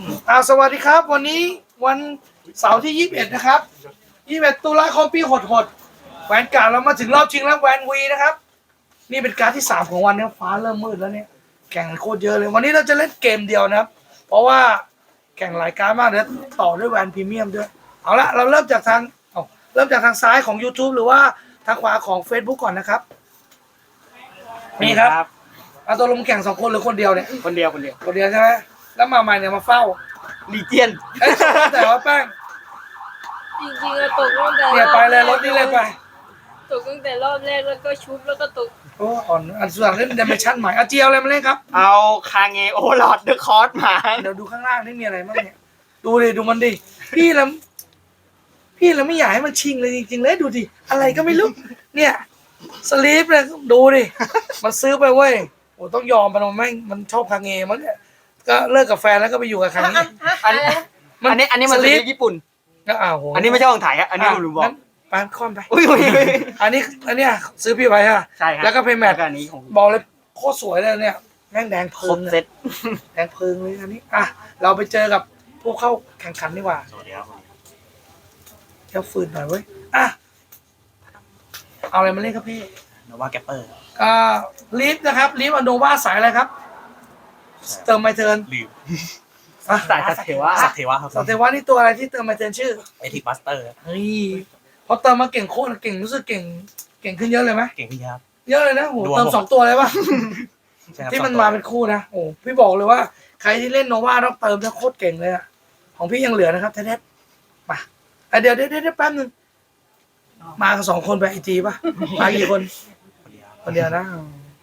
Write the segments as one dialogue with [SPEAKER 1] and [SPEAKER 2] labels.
[SPEAKER 1] สวัสดีครับวันนี้วันเสาร์ที่21นะครับ21ตุลาคมปีหดแหวนการ์ดเรามาถึงรอบชิงแล้วแหวนวีนะครับนี่เป็นการ์ดที่3ของวันนี้ฟ้าเริ่มมืดแล้วเนี่ยแข่งโคตรเยอะเลยวันนี้เราจะเล่นเกมเดียวนะครับเพราะว่าแข่งหลายการ์ดมากเดี๋ยวต่อด้วยแหวนพรีเมียมด้วยเอาละเราเริ่มจากทางซ้ายของ YouTube หรือว่าทางขวาของ Facebook ก่อนนะครับนี่ครับเอาตัวลงแข่ง2คนหรือคนเดียวเนี่ย
[SPEAKER 2] คนเดียว
[SPEAKER 1] ใช่ไหมแล้วมาใหม่เนี่ยมาเฝ้า
[SPEAKER 2] ลีเจียน
[SPEAKER 1] แต่ว่าแป้ง
[SPEAKER 3] จริงๆอะตกตั้งแต่
[SPEAKER 1] เนี่ยไปเลยรถนี่เลยไป
[SPEAKER 3] ตกตั้งแต่รอบแรกแล้วก็ชุบแล้วก็ตก
[SPEAKER 1] โอ้อ่อนอันสุดท้ายเล่นเดเมชั่นใหม่เอาเจียวอะไรมาเล่นครับ
[SPEAKER 2] เอาคาเงโอลอดเดอะคอร์สมา
[SPEAKER 1] เดี๋ยวดูข้างล่างนี่มีอะไรบ้างเนี่ยดูมันดิพี่เราไม่อยากให้มันชิงเลยจริงๆเลยดูดิอะไรก็ไม่รู้เนี่ยสลีปเลยดูดิมันซื้อไปเว้ยโอ้ต้องยอมมันชอบคาเงมั้งเนี่ยก็เลิกกับแฟนแล้วก็ไปอยู่กับใครนี่
[SPEAKER 2] อันนี้มันสลีปญี่ปุ่น
[SPEAKER 1] ก็
[SPEAKER 2] อันนี้ไม่ใช่ของไทยอันนี้ผมบอก
[SPEAKER 1] ไปค่อมไปอันนี้ซื้อพี่ไปฮะ
[SPEAKER 2] ใช่ครับ
[SPEAKER 1] แล้วก็เพย์แมท
[SPEAKER 2] อันนี้ของ
[SPEAKER 1] บอกเลยโคตรสวยเลยเนี่ยแม่งแดงเพลิง
[SPEAKER 2] เซ็ต
[SPEAKER 1] แดงเพลิงเลยอันนี้เราไปเจอกับพวกเข้าแข่งขันดีกว่า
[SPEAKER 2] สวัสดีครับ
[SPEAKER 1] เที่ยวฟืนหน่อยเว้ยเอาอะไรมาเล่นครับพี่
[SPEAKER 2] โนวาแกปเปอร์
[SPEAKER 1] ลิฟนะครับลิฟอันโนวาสายอะไรครับเติมไมเทิร์น
[SPEAKER 2] ลืมสายสัตเทวะครับ
[SPEAKER 1] สัตเทวะนี่ตัวอะไรที่เติมไมเทิร์นชื่อ
[SPEAKER 2] เอทิกบัสเตอร์
[SPEAKER 1] เฮ้ยพอเติมมาเก่งโคตรเก่งรู้สึกเก่งขึ้นเยอะเลยไหม
[SPEAKER 2] เก่งขึ้นเยอะ
[SPEAKER 1] เยอะเลยนะโหเติม2ตัวเลยป่ะที่มันมาเป็นคู่นะโอ้พี่บอกเลยว่าใครที่เล่นโนวาต้องเติมจะโคตรเก่งเลยอะของพี่ยังเหลือนะครับเท็ดมาเดี๋ยวแป๊บนึงมากัน2คนไปไอจีป่ะมากี่คนคนเดียวนะ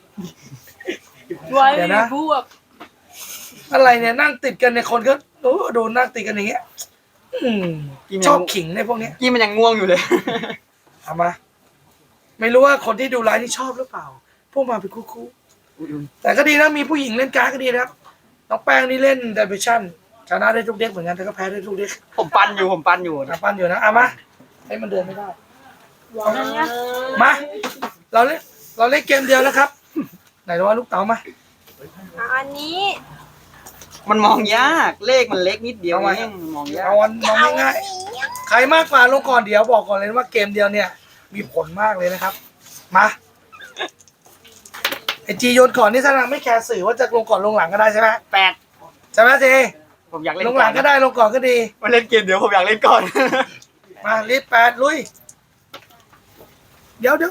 [SPEAKER 3] ไว้บวก
[SPEAKER 1] อะไรเนี่ยนั่งติดกันในคนก็โดนนั่งติดกันอย่างเงี้ยชอบขิงในพวกนี้
[SPEAKER 2] กี้มันยังง่วงอยู่เลย
[SPEAKER 1] เอามาไม่รู้ว่าคนที่ดูไลฟ์นี่ชอบหรือเปล่าพวกมาเป็นคู่แต่ก็ดีนะมีผู้หญิงเล่นการ์ดก็ดีนะครับน้องแป้งนี่เล่นเดบิวชั่นชนะได้ทุกเด็กเหมือนกันแต่ก็แพ้ได้ทุกเด็ก
[SPEAKER 2] ผมปั้นอยู่นะ
[SPEAKER 1] ปั้นอยู่นะมาให้มันเดินไม่ได้มาเราเล่นเกมเดียวนะครับไหนดูว่าลูกเต๋ามา
[SPEAKER 3] อันนี้
[SPEAKER 2] มันมองยากเลขมันเล็กนิดเดียวเองมองยาก
[SPEAKER 1] มองง่ายใครมากกว่าลงก่อนเดี๋ยวบอกก่อนเลยว่าเกมเดียวเนี่ยมีผลมากเลยนะครับมาไอจีโยนก่อนนี่ถ้าเราไม่แคร์สื่อว่าจะลงก่อนลงหลังก็ได้ใช่ไหม
[SPEAKER 2] 8
[SPEAKER 1] ใช่ไหมเจ
[SPEAKER 2] ผมอยากเล่น
[SPEAKER 1] ลงหลังก็ได้ลงก่อนก็ดี
[SPEAKER 2] มาเล่นเกมเดี๋ยวผมอยากเล่นก่อน
[SPEAKER 1] มาลิฟ8ลุยเดี๋ยว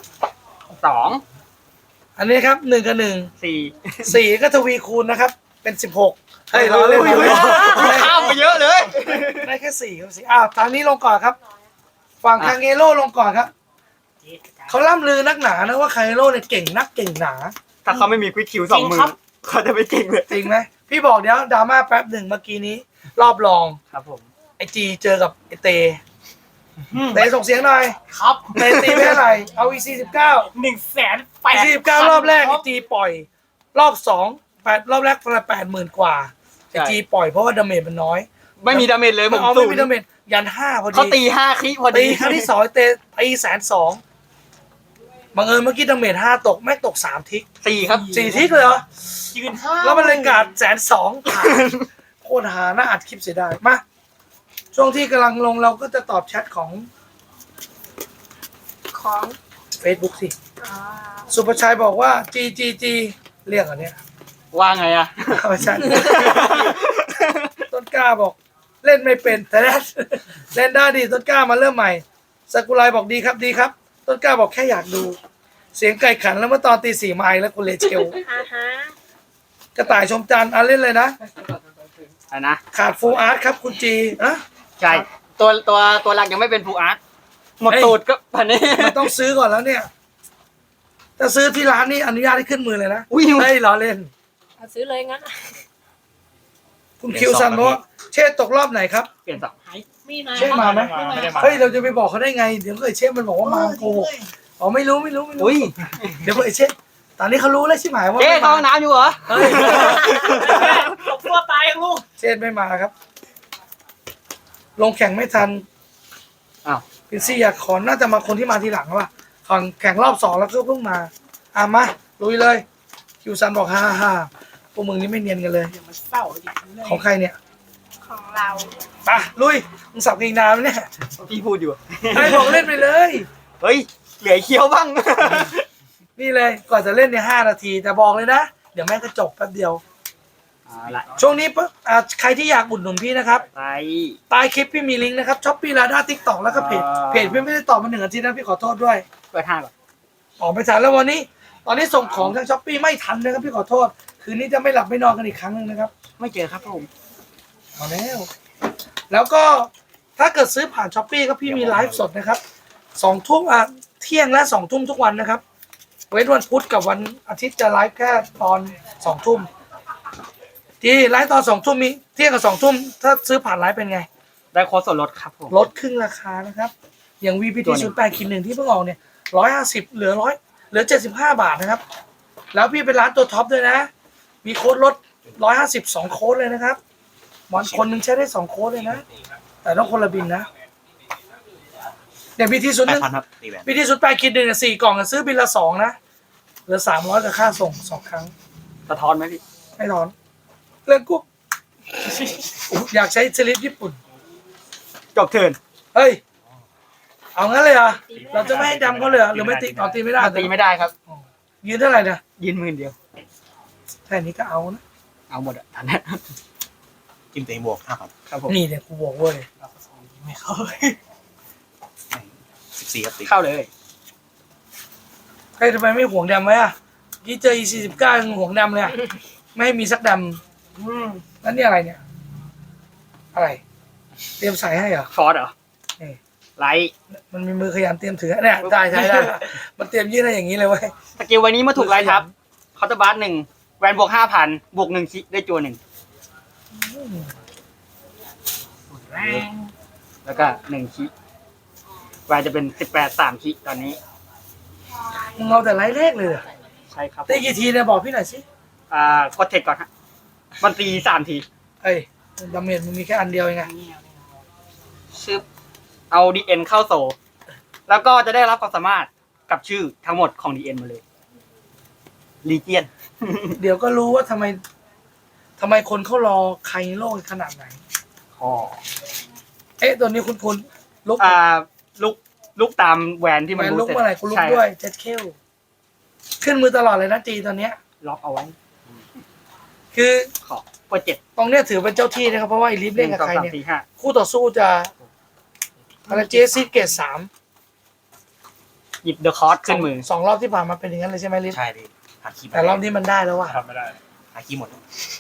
[SPEAKER 2] 2
[SPEAKER 1] อันนี้ครับ1 กับ 1 4ก็ทวีคูณนะครับเป็น16เฮ้ยเราเล่น
[SPEAKER 2] ข้ามไปเยอะเลย
[SPEAKER 1] ได้แค่4ครับตอนนี้ลงก่อนครับฝั่งคาเงโร่ลงก่อนครับเขาล่ำลือนักหนานะว่าคาเงโร่เนี่ยเก่งนักเก่งหนา
[SPEAKER 2] ถ้าเขาไม่มีควิกคิว2 มือเขาจะไม่เก่งเลย
[SPEAKER 1] จริงไหมพี่บอกเดี๋ยวดราม่าแป๊บหนึ่งเมื่อกี้นี้รอบรอง
[SPEAKER 2] ครับผม
[SPEAKER 1] ไอจีเจอกับไอเตส่งเสียงหน่อย
[SPEAKER 2] ครับ
[SPEAKER 1] เตตีไม่เท่าไหร่เอาอี49 149รอบแรกไอจีปล่อยรอบ2 8รอบแรกประมาณ80,000 กว่าไอจีปล่อยเพราะว่าดาเมจมันน้อย
[SPEAKER 2] ไม่มีดาเมจเลยผม
[SPEAKER 1] ไม่มีดาเมจยัน5พอดี
[SPEAKER 2] เขาตี5คลิพอดี
[SPEAKER 1] ครั้งที่2เตตี120,000บังเอิญเมื่อกี้ดาเมจ5ตกไม่ตก3ทิก
[SPEAKER 2] 4ครับ
[SPEAKER 1] 4ทิกเลยเหรอยืน5แล้วมันเลยกาด120,000โคตรหาน่าอัดคลิปเสียดายมาช่วงที่กำลังลงเราก็จะตอบแชทของ Facebook สิสุภชัยบอกว่า G เรียกอันเนี้ย
[SPEAKER 2] ว่าไงอะ
[SPEAKER 1] ไม่ใช่ต้นกล้าบอกเล่นไม่เป็นแต่เล่นได้ดีต้นกล้ามาเริ่มใหม่สกุลายบอกดีครับต้นกล้าบอกแค่อยากดูเสียงไก่ขันแล้วเมื่อตอนตี 4มาแล้วคุณเลเชลกระต่ายชมจันทร์เล่นเลยนะขาดฟูลอาร์ตครับคุณจี
[SPEAKER 2] ใช่ตัวหลักยังไม่เป็นฟูลอาร์ตหมดตูดก็พันนี้
[SPEAKER 1] มันต้องซื้อก่อนแล้วเนี่ยถ้าซื้อที่ร้านนี่อนุญาตให้ขึ้นมือเลยนะได้ล้อเล่น
[SPEAKER 3] ซื้อเลยงั้น
[SPEAKER 1] คุณคิวซันบอกเชษตกรอบไหนครับ
[SPEAKER 2] เปลี่ยน
[SPEAKER 1] 2เชษมาไหมเฮ้ยเราจะไปบอกเขาได้ไงเดี๋ยวเชษมันบอกว่ามาโกหกไม่รู้เดี๋ยวเชษตอนนี้เขารู้แล้วใช่ไหมว่า
[SPEAKER 2] เชษเข้าน้ำอยู่เหรอ
[SPEAKER 3] ตกตัวตายลูก
[SPEAKER 1] เชษไม่มาครับลงแข่งไม่ทันพินซี่อยากขอน่าจะมาคนที่มาทีหลังว่ะแข่งรอบ2แล้วก็เพิ่งมามาลุยเลยคิวซันบอกฮ่าพวกมึงนี่ไม่เนียนกันเลยของใครเนี่ย
[SPEAKER 3] เปล่า
[SPEAKER 1] ไปลุยมึงสับเองนานแล้วเนี่ย
[SPEAKER 2] พี่พูดอยู่
[SPEAKER 1] ให้บอกเล่นไปเลย
[SPEAKER 2] เฮ้ย เหลือเคี้ยวบ้าง
[SPEAKER 1] นี่เลยก่อนจะเล่นในย5 นาทีแต่บอกเลยนะเดี๋ยวแม่งก็จบแป๊บเดียว
[SPEAKER 2] เอาละ
[SPEAKER 1] ช่วงนี้ปุ๊บใครที่อยากอุดหนุนพี่นะครับ
[SPEAKER 2] ไป
[SPEAKER 1] ใต้คลิปพี่มีลิงก์นะครับช้อปปี้ลาด้าทิกตอกแล้วก็เพจพี่ไม่ได้ตอบมา1 อาทิตย์นะพี่ขอโทษด้วย
[SPEAKER 2] เปิดห้าก่อน
[SPEAKER 1] ออกไปทันแล้ววันนี้ ตอนนี้ส่งของทางช้อปปี้ไม่ทันนะครับพี่ขอโทษ คืนนี้จะไม่หลับไม่นอนกันอีกครั้งหนึงนะครับ
[SPEAKER 2] ไม่เจอครับผม
[SPEAKER 1] เอาแล้วก็ถ้าเกิดซื้อผ่านช้อปปี้ก็พี่มีไลฟ์สดนะครับ2 ทุ่มเที่ยงและ2 ทุ่มทุกวันนะครับเว้นวันพุธกับวันอาทิตย์จะไลฟ์แค่ตอน2 ทุ่มที่ไลฟ์ตอน2 ทุ่มมีเที่ยงกับ2 ทุ่มถ้าซื้อผ่านไลฟ์เป็นไง
[SPEAKER 2] ได้โค้ดส่วนลดครับผม
[SPEAKER 1] ลดครึ่งราคานะครับ อย่าง VPT 08-1ที่เพิ่งออกเนี่ย150เหลือ75 บาทนะครับ แล้วพี่เป็นร้านตัวท็อปด้วยนะ มีโค้ดลด150 2 โค้ดเลยนะครับวันคนหนึ่งใช้ได้2 โค้ดเลยนะ แต่ต้องคนละบินนะเนี่ย BT 01
[SPEAKER 4] 8,000ครับตีแหวน
[SPEAKER 1] BT 08-1เนี่ย4 กล่องอะซื้อบินละ 2 นะเหลือ300กับค่าส่ง 2 ครั้ง
[SPEAKER 2] สะท้อนไหมพี่
[SPEAKER 1] ไม่ถอนเรื่องกุ๊กอยากใช้สลิปญี่ปุ่น
[SPEAKER 2] จบเทิร์น
[SPEAKER 1] เฮ้ย เอางั้นเลยเหรอ เราจะไม่ให้ดำเขาเลยเหรอหรือไม่ตีตีไม่ได้
[SPEAKER 2] ตีไม่ได้ครับ
[SPEAKER 1] ยืนเท่าไหร่นะ
[SPEAKER 2] ยืนหมื่นเดียว
[SPEAKER 1] แค่นี้ก็เอานะ
[SPEAKER 2] เอาหมดอ่ะทันนะ
[SPEAKER 4] จิ้มตัวเองบวก5,000
[SPEAKER 2] ครับผม
[SPEAKER 1] นี่เนี่ยกูบอกเว้ย
[SPEAKER 2] ไม่เข้า
[SPEAKER 4] 14ครับตี
[SPEAKER 2] เข้าเลย
[SPEAKER 1] ใครทำไมไม่ห่วงดำไว้อะที่เจอ E49 ยังห่วงดำเลยอะไม่ให้มีสักดำแล้วนี่อะไรเนี่ย อะไร เตรียมใส่ให้เหรอ
[SPEAKER 2] ฟอร์ดเหรอ
[SPEAKER 1] นี่
[SPEAKER 2] ไลท์
[SPEAKER 1] มันมีมือขยันเตรียมถือเนี่ยได้ใช้ได้ มันเตรียมยื่นให้อย่างนี้เลยเว้ย
[SPEAKER 2] สกิลวันนี้เมื่อถูกไลท์ทับเคาน์เตอร์บาร์1แวนบวก 5,000 บวก1คิได้จัว1แล้วก็1คิแวนจะเป็น18 3คิตอนนี้
[SPEAKER 1] มึงเอาแต่ไล่เลขเลยเหรอ
[SPEAKER 2] ใช่ครับ
[SPEAKER 1] ตีกี่ทีเนี่ยบอกพี่หน่อยสิ
[SPEAKER 2] กดเทคก่อนฮะมันตี3 ที
[SPEAKER 1] เอ้ยดาเมจมึงมีแค่อันเดียวเองไง
[SPEAKER 2] ชึบเอาดีเอ็นเข้าโซ แล้วก็จะได้รับความสามารถกับชื่อทั้งหมดของดีเอ็นมาเลยลีเจียน
[SPEAKER 1] เดี๋ยวก็รู้ว่าทำไมคนเขารอใครโลกขนาดไหน
[SPEAKER 2] อ๋อ
[SPEAKER 1] เอ๊ะตัวนี้คุณลุก
[SPEAKER 2] ลุกตามแหวนที่
[SPEAKER 1] แหว
[SPEAKER 2] มัน
[SPEAKER 1] น
[SPEAKER 2] รู้
[SPEAKER 1] ลุก
[SPEAKER 2] เสร็จ
[SPEAKER 1] เมื่อไหร่กูลุก
[SPEAKER 2] ใช่
[SPEAKER 1] ด้วยเจ็ดเคลขึ้นมือตลอดเลยนะจีตอนเนี้ย
[SPEAKER 2] ล็อกเอาไว้
[SPEAKER 1] คือ
[SPEAKER 2] ขอบกด7
[SPEAKER 1] ตรงเนี้ยถือเป็นเจ้าที่นะครับเพราะว่าไอลิฟเล่นกับใครเนี่ย
[SPEAKER 2] 1 2 3 4 5
[SPEAKER 1] คู่ต่อสู้จะอะไรเจสซี่เกต3
[SPEAKER 2] หยิบเดอะคอร์สขึ้นมือ
[SPEAKER 1] สองรอบที่ผ่านมาเป็นอย่างนั้นเลยใช่ไหมลิฟ
[SPEAKER 4] ใช่ดิหาคีย์
[SPEAKER 1] แต่รอบนี้มันได้แล้วว่ะ
[SPEAKER 3] ทำไม่ได้
[SPEAKER 4] หาคีย์หมด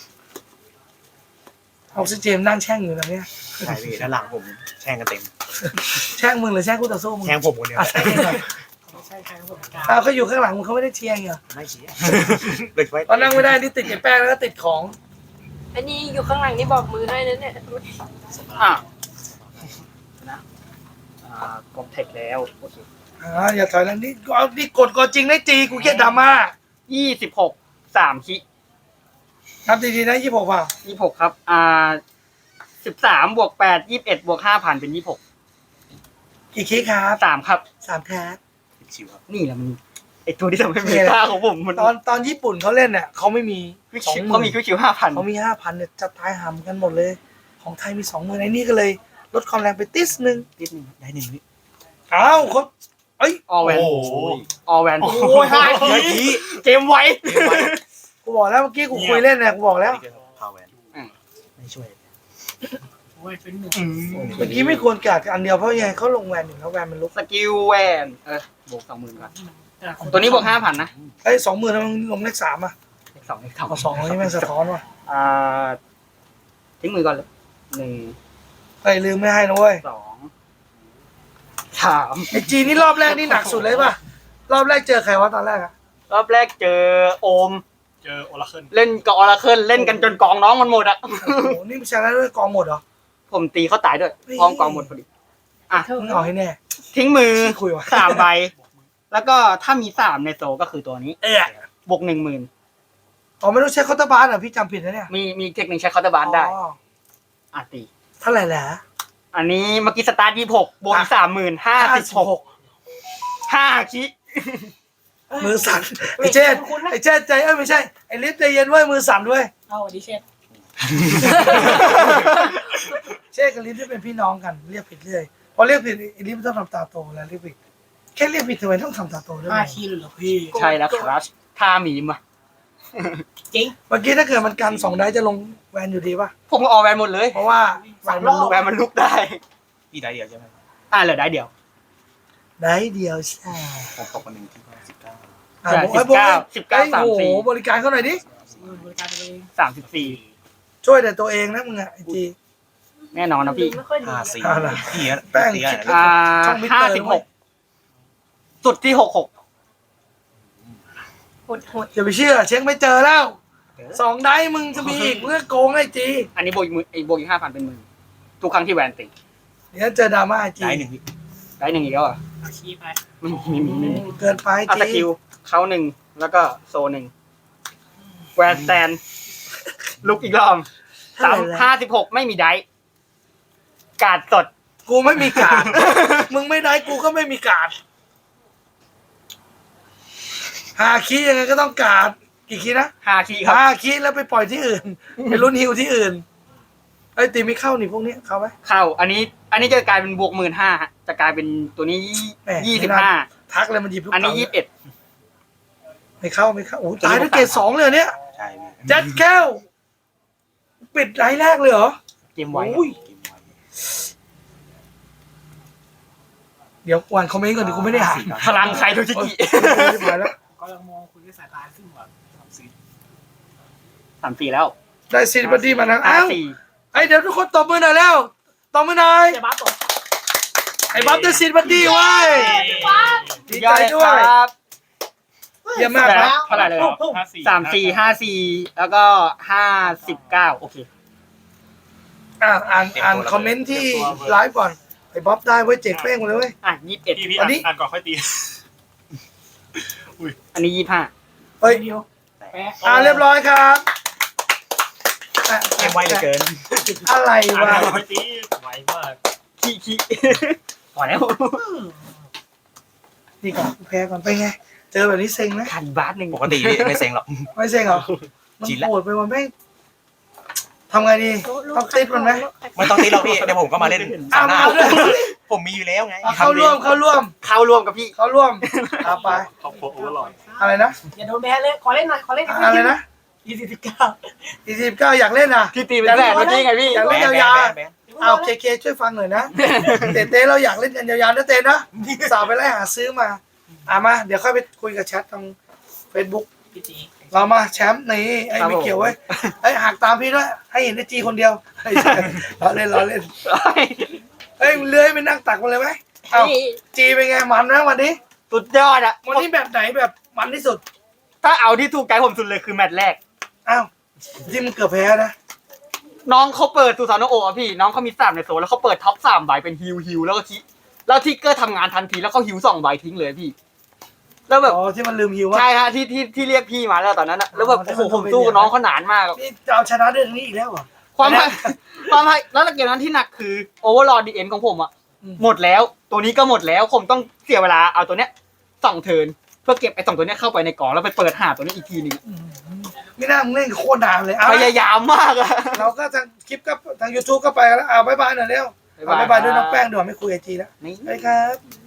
[SPEAKER 1] ออกซิเจนนั่งแช่งอยู่นะเนี่ย
[SPEAKER 4] ใช่พี่ด้านหลังผมแช่งกันเต็ม
[SPEAKER 1] แช่งมึงหรือแช่งคู่ต่อสู้มึง
[SPEAKER 4] แช่งผมคนเดียว
[SPEAKER 1] อ่ะแช่งมึงก่อนอ้าวเขาอยู่ข้างหลังมึงเขาไม่ได้เชียร์เหรอ
[SPEAKER 4] ไม่เชียร์เด็กไว้
[SPEAKER 1] ตอนนั่งไม่ได้นี่ติดไอ้แป้งแล้วก็ติดของ
[SPEAKER 3] อันนี้อยู่ข้างหลังนี่บอกมือให้นั่นเนี่ย
[SPEAKER 2] อ่ะนะกดเทคแล้วโอเค
[SPEAKER 1] อย่าถอยแล้วนี่เอานี่กดก่อนจริงได้จีกูเครียดดราม่า
[SPEAKER 2] 26 3คิ
[SPEAKER 1] นับดีๆนะ26เปล่า
[SPEAKER 2] 26ครับ13บวก8 21บวก 5,000 เป็น 26
[SPEAKER 1] กี่คลิกครับ
[SPEAKER 2] 3ครับ
[SPEAKER 1] 3แท็ก
[SPEAKER 4] ชิวครับ
[SPEAKER 2] นี่แหละมันไอตัวที่ทำให้เมตาของผมมัน
[SPEAKER 1] ตอนญี่ปุ่นเขาเล่นเนี่ยเขาไม่มี
[SPEAKER 2] วิก
[SPEAKER 1] สอง
[SPEAKER 2] ชิว
[SPEAKER 1] ห
[SPEAKER 2] เขา
[SPEAKER 1] มื่
[SPEAKER 2] มี
[SPEAKER 1] น
[SPEAKER 2] คิวคิว5,000
[SPEAKER 1] เขามี5,000เนี่ยจะตายหำกันหมดเลย ของไทยมี20,000ไอ้นี่ก็เลยลดความแรงไปติสนึง
[SPEAKER 2] นิดนึง
[SPEAKER 4] ได้1วิ
[SPEAKER 1] อ้าวเขาเอ้ย
[SPEAKER 2] ออแวน
[SPEAKER 4] โอ้โห
[SPEAKER 2] ออแวน
[SPEAKER 1] โอ้ย5
[SPEAKER 4] เมื่อ
[SPEAKER 1] ที
[SPEAKER 4] กี้
[SPEAKER 2] เกมไว้
[SPEAKER 1] กูบอกแล้วเมื่อกี้กูคุยเล่นเนี่ยกูบอกแล้ว
[SPEAKER 4] พาวแวนไม่ช่วย
[SPEAKER 1] เมื่อกี้ไม่ควรกัดอันเดียวเพราะยังไงเขาลงแวนอยู่แล้วแวนมันลุก
[SPEAKER 2] สกิลแวนบวก 20,000ก่อนตัวนี้บวก 5,000 นะ
[SPEAKER 1] เอ้ย20,000แล้วมันลงเลข3อ่ะ
[SPEAKER 2] เลข2เลข
[SPEAKER 1] เอา2นี่แม่งสะท้อนว่ะ
[SPEAKER 2] ทิ้งมือก่อนเลย
[SPEAKER 1] เฮ้ยลืมไม่ให้นะเว้ย
[SPEAKER 2] 1 2 3
[SPEAKER 1] ไอจีนี่รอบแรกนี่หนักสุดเลยป่ะรอบแรกเจอใครวะตอนแรกอะ
[SPEAKER 2] รอบแรกเจอโอม
[SPEAKER 3] เจอโอราเคิล
[SPEAKER 2] เล่นกับออราเคิลเล่นกันจนกองน้องมันหมดอ่ะ
[SPEAKER 1] โอ้โหนี่มันชนะด้วยกองหมดเหรอ
[SPEAKER 2] ผมตีเขาตายด้วยพร้อมกองหมดพอดี
[SPEAKER 1] มึงเอาให้แน่
[SPEAKER 2] ทิ้งมือ
[SPEAKER 1] คุยวะ
[SPEAKER 2] 3 ใบ แล้วก็ถ้ามี3ในโซก็คือตัวนี้ บวก 10,000
[SPEAKER 1] อ๋อไม่ต้องใช้เคาน์เตอร์บาร์เหรอพี่จำผิดนะเนี่ย
[SPEAKER 2] มีเทคนิคใช้เคาน์เตอร์บาร์ได้
[SPEAKER 1] อ๋อ
[SPEAKER 2] ตี
[SPEAKER 1] เท่าไหร่แหละ
[SPEAKER 2] อันนี้เมื่อกี้สตาร์ท26บวกอีก30,000 56 5คิ
[SPEAKER 1] มือสั่นไอเจนไอเจนใจไม่ใช่ไอลิฟใจเย็นเว้ยมือสั่นด้วย
[SPEAKER 3] เอาดิเชน
[SPEAKER 1] กับลิฟที่เป็นพี่น้องกันเรียกผิดเรื่อยพอเรียกผิดไอ้ลิฟต้องทำตาโตแล้วเรียกผิดแค่เรียกผิดทำไมต้องทำตาโตด้วย
[SPEAKER 5] 5 คีย์เลยเหรอพี่
[SPEAKER 2] ใช่แล้วครับท่าหมีมา
[SPEAKER 5] จริง
[SPEAKER 1] เมื่อกี้ถ้าเกิดมันกัน2 ได้จะลงแวนอยู่ดีป่ะ
[SPEAKER 2] ผมก็ออกแวนหมดเลย
[SPEAKER 1] เพราะว่าแวนมันลง
[SPEAKER 2] แวนมันลุกได้
[SPEAKER 4] พี่ได้เดียวใช่ไหม
[SPEAKER 2] เหลือได้เดียว
[SPEAKER 1] ได้เดียวใช่
[SPEAKER 4] ผมตกมาหนึ่งที่ว่า19
[SPEAKER 1] อ่ะบอก
[SPEAKER 2] 19
[SPEAKER 1] โอ้โห
[SPEAKER 2] 34
[SPEAKER 1] บริการเขาหน่อยดิ
[SPEAKER 5] บริการตัวเอง
[SPEAKER 2] 34
[SPEAKER 1] ช่วยแต่ตัวเองนะมึงอะไอจี
[SPEAKER 2] แน่นอนนะพี่
[SPEAKER 3] ไม่ค่อยดี
[SPEAKER 4] 54
[SPEAKER 1] อ่าล่ะ
[SPEAKER 4] พี่อะ
[SPEAKER 1] แป้ง
[SPEAKER 4] พี่อะ
[SPEAKER 1] ช่องมิเตอร์ด้วย
[SPEAKER 2] 56สุดที่66
[SPEAKER 3] หดหด
[SPEAKER 1] อย่าไปเชื่อ เช็คไม่เจอแล้ว2 ได้มึงจะมีอีกเรื่องโกงไอจี
[SPEAKER 2] อันนี้โบอีกโบอีก5,000เป็นหมื่นทุกครั้งที่แวนติด
[SPEAKER 1] เดี๋ยวเจอดราม่าไอจี
[SPEAKER 4] ได้หนึ่งพี่
[SPEAKER 2] ได้1อีกแล้วอ่ะ
[SPEAKER 5] เอาคีย์ไป
[SPEAKER 2] ไม่มี
[SPEAKER 1] เกินไป
[SPEAKER 2] เอาส
[SPEAKER 1] จี
[SPEAKER 2] กิลเขา1แล้วก็โซ1แวนสแตนลุกอีกรอบ56ไม่มีได้การ์ดสด
[SPEAKER 1] กูไม่มีการ ด มึงไม่ได้กูก็ไม่มีการด5 คีย์ยังไงก็ต้องการดกี่คีย์นะ
[SPEAKER 2] 5 คีย์ครับ
[SPEAKER 1] 5 คีย์แล้วไปปล่อยที่อื่น ไปลุ้นฮิวที่อื่นไอ้ยตีไม่เข้านี่พวกนี้เข้าไหม
[SPEAKER 2] เข้าอันนี้จะกลายเป็นบวก15,000ฮะจะกลายเป็นตัวนี้
[SPEAKER 1] แหม่
[SPEAKER 2] 25
[SPEAKER 1] ทักเลยมันหยิบลูก
[SPEAKER 2] อันนี้
[SPEAKER 1] เต๋า
[SPEAKER 2] 21
[SPEAKER 1] ไม่เข้าโอ้โหตายด้วยเกรด2เลยเหรอเนี่ย
[SPEAKER 4] ใช่พี่
[SPEAKER 1] แจ็คแก้วปิดไลน์แรกเลยเหรอ
[SPEAKER 2] เกมไว้
[SPEAKER 1] โอ้ย
[SPEAKER 4] เกมไว้
[SPEAKER 1] เดี๋ยวอ่านคอมเมนต์ก่อนดิกูไม่ได้อ่าน
[SPEAKER 2] พลังใครทุกชิกิ
[SPEAKER 1] ไม่ได้แล้ว
[SPEAKER 5] ก็ยังมองคุณด้วยสายตาซึ่งแบบ
[SPEAKER 2] 34
[SPEAKER 5] 34
[SPEAKER 2] แล้ว
[SPEAKER 1] ได้ซีบัดดี้มานะอ้าว
[SPEAKER 2] 54
[SPEAKER 1] ไอ้เดี๋ยวทุกคนตบมือหน่อยแล้วตบมือหน่อย
[SPEAKER 5] จะบ้าตก
[SPEAKER 1] ไอ้บ๊อบได้ซีบัดดี้เว้ยดีใจด้วย
[SPEAKER 2] ครับ
[SPEAKER 1] เยี่ยมมาก
[SPEAKER 2] แบ
[SPEAKER 1] ครับ บ
[SPEAKER 2] เท่าไหร่เลย 34 54แล้วก็59โอเค
[SPEAKER 1] อ่านคอมเมนต์ที่ไลฟ์ก่อนไอ้บ๊อบได้เว้ยเจ๋งเป้งหมดเลยเว้ย
[SPEAKER 2] 21
[SPEAKER 3] พี่
[SPEAKER 1] อันนี้
[SPEAKER 3] อ่านก่อนค่อยตี
[SPEAKER 2] อันนี้
[SPEAKER 1] เฮ้ย
[SPEAKER 5] เดียวแปะ
[SPEAKER 1] เรียบร้อยครับอ่ะ
[SPEAKER 4] เกมไวเหลือเกิน
[SPEAKER 1] อะไร
[SPEAKER 3] อ่าน
[SPEAKER 1] วะ
[SPEAKER 3] ก่อนค่อยตีไวมาก
[SPEAKER 2] 25ขี้พอแล้ว
[SPEAKER 1] นี่ก่อนแพ้ก่อนไปไง เจอแบบนี้เซ็งไหม
[SPEAKER 2] ขันบาสหนึ่ง
[SPEAKER 4] ปกติพี่ไม่เซ็งหรอก
[SPEAKER 1] ไม่เซ็งเหรอมัน
[SPEAKER 4] ชินละ
[SPEAKER 1] โหดไปวันแม่งทำไงดีต้องติดมันไหม
[SPEAKER 4] ไม่ต้องตีหรอกพี่เดี๋ยวผมก็มาเล่นสามหน้า
[SPEAKER 1] เอาด้วย
[SPEAKER 4] ผมมีอยู่แล้วไง
[SPEAKER 1] เข้าร่วม
[SPEAKER 2] เข้าร่วมกับพี่
[SPEAKER 1] เข้าร่วมเอาไป
[SPEAKER 3] ขอบคุณโอเวอร์ลอด
[SPEAKER 1] อะไรนะ
[SPEAKER 5] อย่าโดนแพ้เลยขอเล่นหน่อยขอเล่น
[SPEAKER 1] อะไรนะ
[SPEAKER 5] 29
[SPEAKER 1] 49อยากเล่นอ่ะ
[SPEAKER 2] ที่ตีเป็นแสนเมื่อกี้ไงพี่
[SPEAKER 1] อยาก
[SPEAKER 4] แบ
[SPEAKER 1] เล่น
[SPEAKER 4] น
[SPEAKER 1] ยาว
[SPEAKER 4] แบน
[SPEAKER 1] ๆเอาเคช่วยฟังหน่อยนะเต้เราอยากเล่นกันยาวๆนะเต้นะสาวไปไล่หาซื้อมามาเดี๋ยวค่อยไปคุยกับแชททาง Facebook
[SPEAKER 5] พี่จี
[SPEAKER 1] เรามาแชมป์นี่ไอ้ไม่เกี่ยวเว้ยไอ้หักตามพี่ด้วยให้เห็นไอ้จีคนเดียวไอ้เราเล่นเฮ้ยเลื้อยไปนั่งตักมันเลยไหมเอ้าจีเป็นไงมันไหมวันนี้
[SPEAKER 2] สุดยอดอ่ะ
[SPEAKER 1] วันนี้แบบไหนแบบมันที่สุด
[SPEAKER 2] ถ้าเอาที่ถูกใจผมสุดเลยคือแมตช์แรก
[SPEAKER 1] อ้าวที่มึงเกือบแพ้นะ
[SPEAKER 2] น้องเขาเปิดตูซานโอะพี่น้องเขามี3ในโซนแล้วเขาเปิดท็อป3ใบเป็นฮิวแล้วก็แล้วทิกเกอร์ทำงานทันทีแล้วเขาฮิว2ใบทิ้งเลยพี่ แล้วแบบ
[SPEAKER 1] อ๋อที่มันลืมฮิวว่า
[SPEAKER 2] ใช่ฮะที่เรียกพี่มาแล้วตอนนั้นอะแล้วแบบโอ้โหผมสู้กับน้องเขานานมาก
[SPEAKER 1] นี่จะเอาชนะได้ตรงนี้อีกแล้วเหรอ
[SPEAKER 2] ความแล้วเกมนั้นที่หนักคือโอเวอร์ลอดดีเอ็นของผมอะ
[SPEAKER 1] อืม
[SPEAKER 2] หมดแล้วตัวนี้ก็หมดแล้วผมต้องเสียเวลาเอาตัวเนี้ย2เทิร์นเพื่อเก็บไอ้2ตัวเนี้ยเข้าไปในกล่องแล้วไปเปิดหาตัวนี้อีกทีนึง
[SPEAKER 1] ไม่น่ามึงเล่นโคตรนานเลย
[SPEAKER 2] พยายามมากอะ
[SPEAKER 1] เราก็ทางคลิปก็ทาง YouTube ก็ไปแล้วบ๊ายบายหน่อยเร็วบ๊ายบายด้วยน้องแป้งเดี๋ยวไม่คุยไอจีแล้ว
[SPEAKER 2] นี่
[SPEAKER 1] ไปครับ